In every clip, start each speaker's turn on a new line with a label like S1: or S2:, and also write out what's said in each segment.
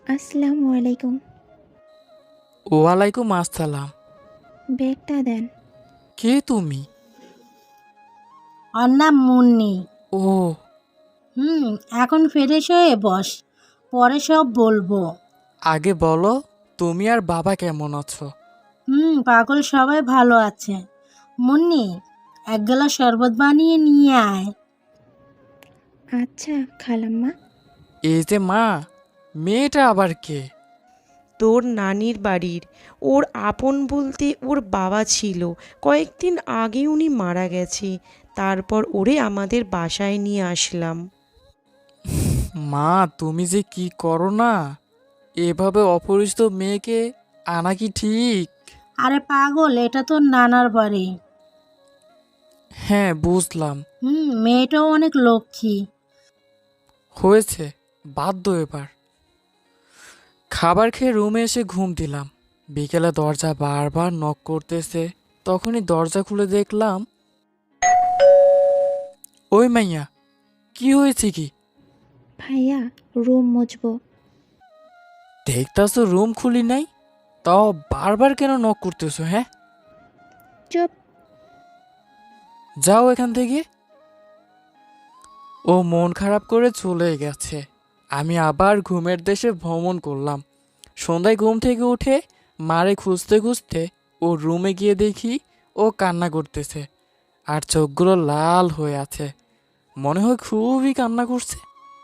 S1: আসসালামু আলাইকুম।
S2: ওয়ালাইকুম আসসালাম।
S1: ব্যাগটা দেন।
S2: কে তুমি?
S3: ওর নাম মুন্নি।
S2: ও,
S3: হুম, এখন ফ্রেশ হয়ে বস, পরে সব বলবো।
S2: আগে বলো তুমি আর বাবা কেমন আছো?
S3: পাগল সবাই ভালো আছে। মুন্নি, এক গ্লাস শরবত বানিয়ে নিয়ে আয়।
S1: আচ্ছা খালাম্মা।
S2: এই যে মা, মেয়েটা আবার কে?
S4: তোর নানির বাড়ির। ওর আপন বলতে ওর বাবা ছিল, কয়েকদিন আগে উনি মারা গেছে। তারপর ওরে আমাদের বাসায় নিয়ে আসলাম।
S2: মা তুমি যে কি করো না, এভাবে অপরিচিত মেয়েকে আনা কি ঠিক?
S3: আরে পাগল, এটা তো নানার বাড়ি।
S2: হ্যাঁ বুঝলাম।
S3: মেয়েটাও অনেক লক্ষ্মী।
S2: হয়েছে, বাধ্য এবার। খাবার খেয়ে রুমে এসে ঘুম দিলাম। বিকেলে দরজা বারবার নক করতেছে, তখনই দরজা খুলে দেখলাম। ওই মাইয়া, কি হয়েছে কি?
S1: ভাইয়া, রুম মুছবো।
S2: দেখতাছো রুম খুলি নাই, তাও বারবার কেন নক করতেছো? হ্যাঁ,
S1: চুপ।
S2: যাও এখান থেকে। ও মন খারাপ করে চলে গেছে। আমি আবার ঘুমের দেশে ভ্রমণ করলাম। সন্ধ্যায় ঘুম থেকে উঠে মারে খুঁজতে খুঁজতে ও রুমে গিয়ে দেখি ও কান্না করতেছে, আর চোখগুলো লাল হয়ে আছে। মনে হয় খুবই কান্না করছে।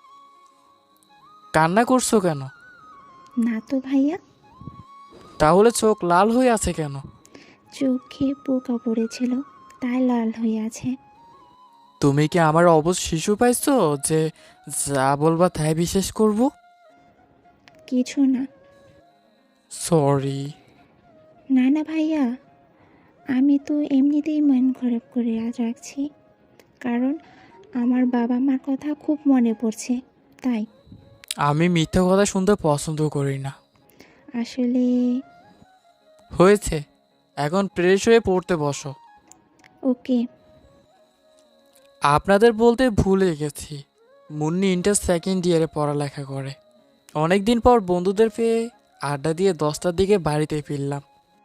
S2: কান্না করছো কেন?
S1: না তো ভাইয়া।
S2: তাহলে চোখ লাল হয়ে আছে কেন?
S1: চোখে পোকা পড়েছিল, তাই লাল হয়ে আছে।
S2: তুমি কি আমার অবশ শিশু পাইছো যে যা বলবা তাই বিশ্বাস করব?
S1: কিছু না।
S2: সরি।
S1: না না ভাইয়া, আমি তো এমনিতেই মন খারাপ করে আজ রাখছি, কারণ আমার বাবা মার কথা খুব মনে পড়ছে, তাই।
S2: আমি মিথ্যা কথা শুনতে পছন্দ করি না।
S1: আসলে।
S2: হয়েছে, এখন ফ্রেশ হয়ে পড়তে বসো।
S1: ওকে।
S2: আপনাদের বলতে ভুলে গেছি, মুন্নি ইন্টার সেকেন্ড ইয়ারে পড়ালেখা করে। অনেকদিন পর বন্ধুদের পেয়ে আড্ডা দিয়ে 10টার দিকে বাড়িতে ফিরলাম।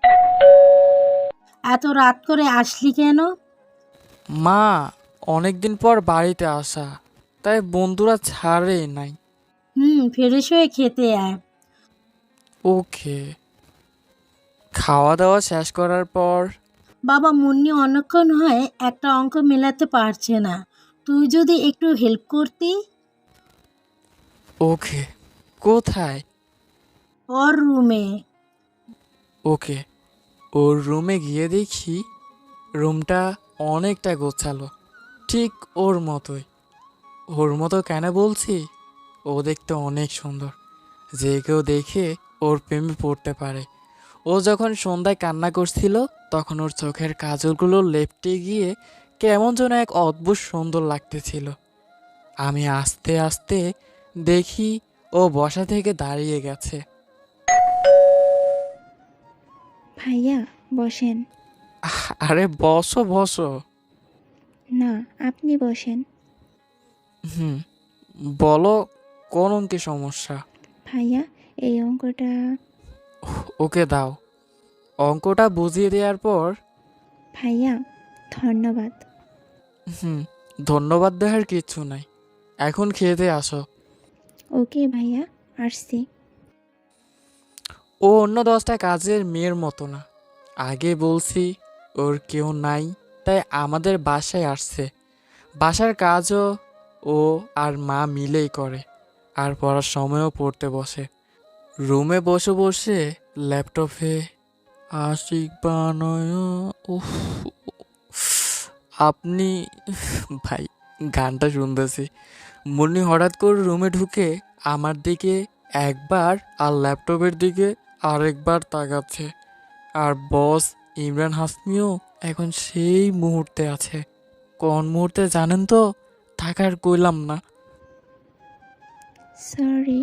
S3: এত রাত করে আসলি কেন?
S2: মা, অনেকদিন পর বাড়িতে আসা, তাই বন্ধুরা ছাড়েই নাই।
S3: ফ্রেশ হয়ে খেতে আয়।
S2: ওকে। খাওয়া দাওয়া শেষ করার পর
S3: বাবা, মুন্নি অনেকক্ষণ হয় একটা অঙ্ক মেলাতে পারছে না, তুই যদি একটু হেল্প করতি।
S2: ওকে, কোথায়?
S3: ওর রুমে।
S2: ওকে। ওর রুমে গিয়ে দেখি রুমটা অনেকটা গোছালো, ঠিক ওর মতোই। ওর মতো কেন বলছি? ও দেখতে অনেক সুন্দর, যে কেউ দেখে ওর প্রেমে পড়তে পারে। ও যখন সন্ধ্যায় কান্না করছিল, তখন ওর চোখের কাজলগুলো লেপটে গিয়ে কেমন যেন এক অদ্ভুত সুন্দর লাগতেছিল। আমি আস্তে আস্তে দেখি ও বসা থেকে দাঁড়িয়ে গেছে।
S1: ভাইয়া, বসেন।
S2: আরে বসো বসো।
S1: না, আপনি বসেন।
S2: হুম, বলো, কোন অঙ্কে সমস্যা?
S1: ভাইয়া, এই অঙ্কটা।
S2: ওকে দাও। অঙ্কটা বুঝিয়ে দেওয়ার পর
S1: ভাইয়া, ধন্যবাদ।
S2: হুম, ধন্যবাদ দেওয়ার কিচ্ছু নাই, এখন খেতে আসো।
S1: ওকে ভাইয়া, আসছি।
S2: ও অন্য 10টা কাজের মেয়ের মতো না। আগে বলছি ওর কেউ নাই, তাই আমাদের বাসায় আসছে। বাসার কাজও ও আর মা মিলেই করে, আর পড়ার সময়ও পড়তে বসে। রুমে বসে বসে ল্যাপটপে আশিক বানয়। উফ, আপনি ভাই, গানটা শুনতেছি। মুন্নি হঠাৎ করে রুমে ঢুকে আমার দিকে একবার আর ল্যাপটপের দিকে আরেকবার তাকাচ্ছে। আর বস ইমরান হাসমিও এখন সেই মুহূর্তে আছে। কোন মুহূর্তে জানেন তো? থাকার কইলাম না।
S1: সরি।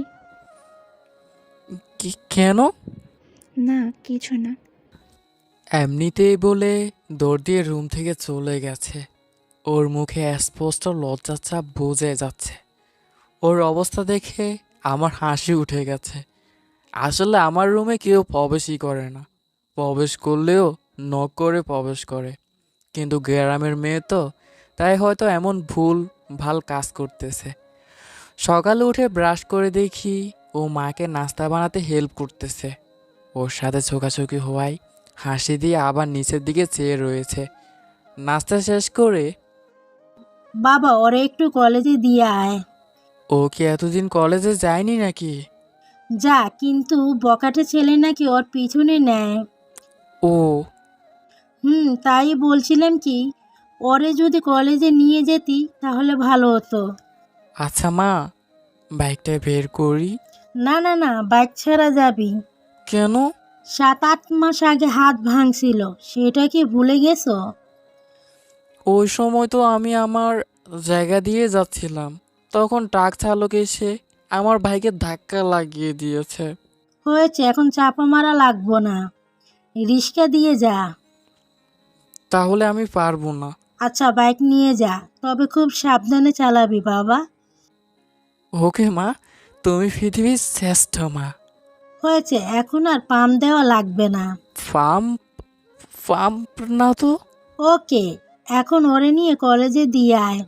S2: কি কেন?
S1: না, কিছু না।
S2: এমনিতেই বলে দৌড় দিয়ে রুম থেকে চলে গেছে। ওর মুখে স্পষ্ট লজ্জার ছাপ বোঝা যাচ্ছে। ওর অবস্থা দেখে আমার হাসি উঠে গেছে। আসলে আমার রুমে কেউ প্রবেশই করে না, প্রবেশ করলেও নক করে প্রবেশ করে। কিন্তু গ্রামের মেয়ে তো, তাই হয়তো এমন ভুল ভাল কাজ করতেছে। সকালে উঠে ব্রাশ করে দেখি ও মাকে নাস্তা বানাতে হেল্প করতেছে। ওর সাথে ছোকাছুকি হওয়ায় হাসি দিয়ে আবার নিচের দিকে চেয়ে রয়েছে। নাস্তা শেষ করে,
S3: বাবা ওরে একটু কলেজে দিয়ে আয়।
S2: ও কি এতদিন কলেজে যায়নি নাকি?
S3: যা, কিন্তু বকাটে ছেলে নাকি ওর পিছনে নেয়।
S2: ও
S3: তাই বলছিলাম কি, ওরে যদি কলেজে নিয়ে যেতি তাহলে ভালো হতো।
S2: আচ্ছা মা, বাইকটা বের করি।
S3: না না না, বাইক ছাড়া যাবি।
S2: কেন?
S3: 7-8 মাস আগে হাত ভাঙছিল, সেটা কি ভুলে গেছো?
S2: ওই সময় তো আমি আমার জায়গা দিয়ে যাচ্ছিলাম, তখন ট্রাক চালক এসে আমার বাইকে ধাক্কা লাগিয়ে দিয়েছে।
S3: হয়েছে, এখন চাপা মারা লাগবো না, রিক্সা দিয়ে যা।
S2: তাহলে আমি পারবো না।
S3: আচ্ছা বাইক নিয়ে যা, তবে খুব সাবধানে চালাবি বাবা।
S2: ওকে মা, তুমি পৃথিবীর শ্রেষ্ঠ মা।
S3: হয়েছে, এখন আর পাম দেওয়া লাগবে না।
S2: ফার্ম ফার্ম না তো।
S3: ওকে, এখন ওরে নিয়ে কলেজে দিয়ে আয়।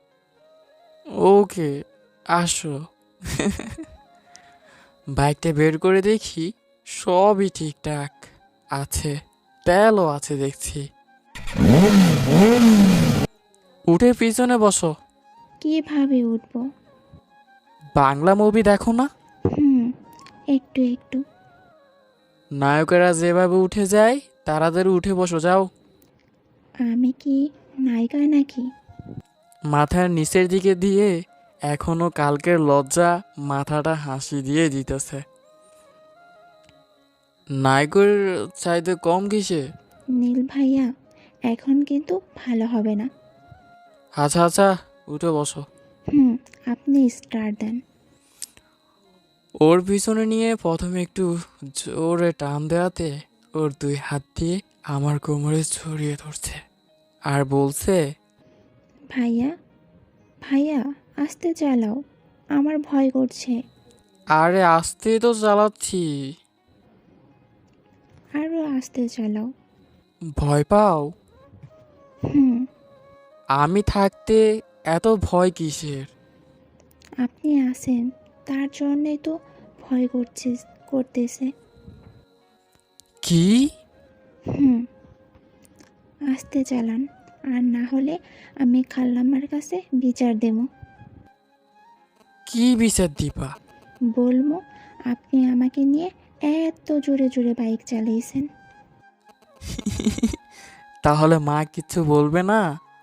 S2: ওকে, আসো। বাইকটা বের করে দেখি সবই ঠিকঠাক আছে, তেলও আছে দেখছি। উঠে পিছনে বসো।
S1: কিভাবে উঠবো?
S2: বাংলা মুভি দেখো না?
S1: হুম, একটু একটু।
S2: নায়কেরা যেভাবে উঠে যায় তাড়াতাড়ি উঠে বসো, যাও।
S1: আমি কি নায়িকা নাকি?
S2: মাথার নিচের দিকে দিয়ে এখনো কালকের লজ্জা মাথাটা হাসি দিয়ে দিতেছে। নায়কের চাইতে কম কিসে?
S1: নীল ভাইয়া, এখন কিন্তু ভালো হবে না।
S2: আচ্ছা আচ্ছা, উঠে বসো।
S1: হুম, আপনি স্টার্ট দেন।
S2: ওর পিছনে নিয়ে প্রথমে একটু জোরে টান দেওয়াতে ওর 2 হাত দিয়ে আমার কোমরে ছড়িয়ে ধরছে আর বলছে,
S1: ভাইয়া, ভাইয়া, আস্তে চালাও, আমার ভয় করছে।
S2: আরে আস্তে তো চালাচ্ছি।
S1: আরও আস্তে চালাও।
S2: ভয় পাও?
S1: হুম,
S2: আমি থাকতে এত ভয় কিসের?
S1: আপনি আছেন, তার জন্যই তো ভয় করতেছে।
S2: কি?
S1: হুম, আস্তে চালান, আর না হলে আমি খাল্লাম্মার কাছে বিচার দেব।
S2: কি বিচার দিবা?
S1: বলবো আপনি আমাকে নিয়ে এত জোরে জোরে বাইক চালিয়েছেন।
S2: তাহলে মা কিছু বলবে না?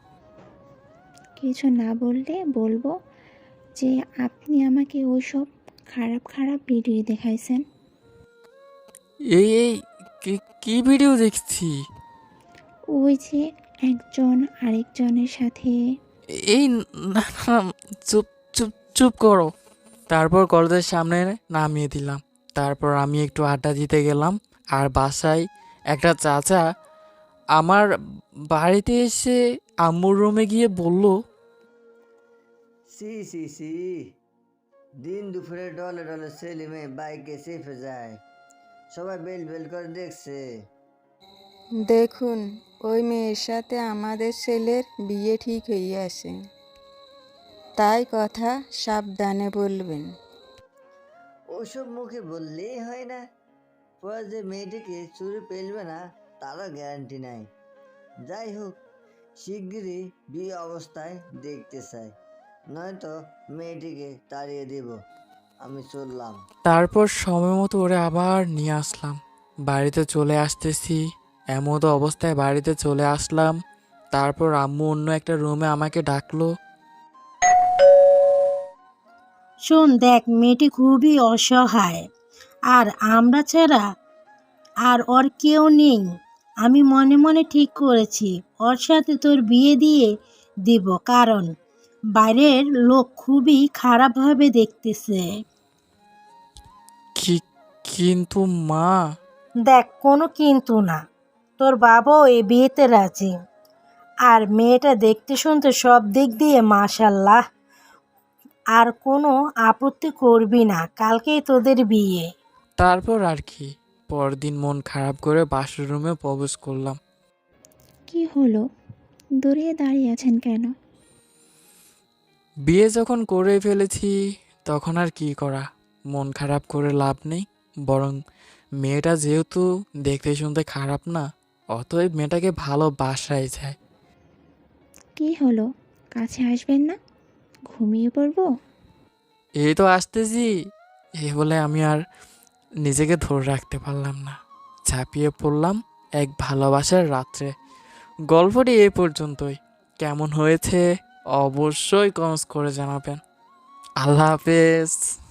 S1: কিছু না বললে বলবো যে আপনি আমাকে ওইসব খারাপ খারাপ ভিডিও দেখাইছেন।
S2: এই কি ভিডিও দেখছি?
S1: ওই যে একজন আরেকজনের সাথে।
S2: এই না না, চুপ চুপ চুপ করো। তারপর কলেজের সামনে নামিয়ে দিলাম। তারপর আমি একটু আড্ডা দিতে গেলাম। আর বাসায় একটা চাচা আমার বাড়িতে এসে আম্মুর রুমে গিয়ে বলল,
S5: সি সি সি, দিন দুপুরে ডলে ডলে ছেলে মেয়ে বাইকে চেপে যায়, সবাই বেল বেল করে দেখছে।
S6: দেখুন, ওই মেয়ের সাথে আমাদের ছেলের বিয়ে ঠিক হয়ে আছে, তাই কথা সাবধানে বলবেন।
S5: ওসব মুখে বললেই হয় না, পরে যে মেয়েটিকে চুরি পেলবে না তারও গ্যারান্টি নাই। যাই হোক, শিগগিরই বিয়ে অবস্থায় দেখতে চাই, নয়তো মেয়েটিকে তাড়িয়ে দেব। আমি চললাম।
S2: তারপর সময় মতো ওরে আবার নিয়ে আসলাম। বাড়িতে চলে আসতেছি, এমতো অবস্থায় বাড়িতে চলে আসলাম। তারপর আম্মু অন্য একটা রুমে আমাকে ডাকলো।
S3: শোন দেখ, মেয়েটি খুবই অসহায়, আর আমরা ছাড়া আর ওর কেউ নেই। আমি মনে মনে ঠিক করেছি ওর সাথে তোর বিয়ে দিয়ে দিব, কারণ বাইরের লোক খুবই খারাপভাবে দেখতেছে।
S2: কি? কিন্তু মা।
S3: দেখ, কোনো কিন্তু না, তোর বাবাও এই বিয়েতে রাজি, আর মেয়েটা দেখতে শুনতে সব দিক দিয়ে মাশাল্লাহ। আর কোনো আপত্তি করবি না, কালকেই তোদের বিয়ে।
S2: তারপর আর কি, পরদিন মন খারাপ করে বাসর রুমে প্রবেশ করলাম।
S1: কি হলো? দূরে দাঁড়িয়ে আছেন কেন?
S2: বিয়ে যখন করে ফেলেছি তখন আর কি করা, মন খারাপ করে লাভ নেই। বরং মেয়েটা যেহেতু দেখতে শুনতে খারাপ না, অতএব মেয়েটাকে ভালোবাসাই যায়।
S1: কি হলো? কাছে আসবেন না? ঘুমিয়ে পড়বো?
S2: এই তো আসতেছি। এই বলে আমি আর নিজেকে ধরে রাখতে পারলাম না, ঝাঁপিয়ে পড়লাম এক ভালোবাসার রাত্রে। গল্পটি এই পর্যন্তই। কেমন হয়েছে অবশ্যই কমেন্টস করে জানাবেন। আল্লাহ হাফেজ।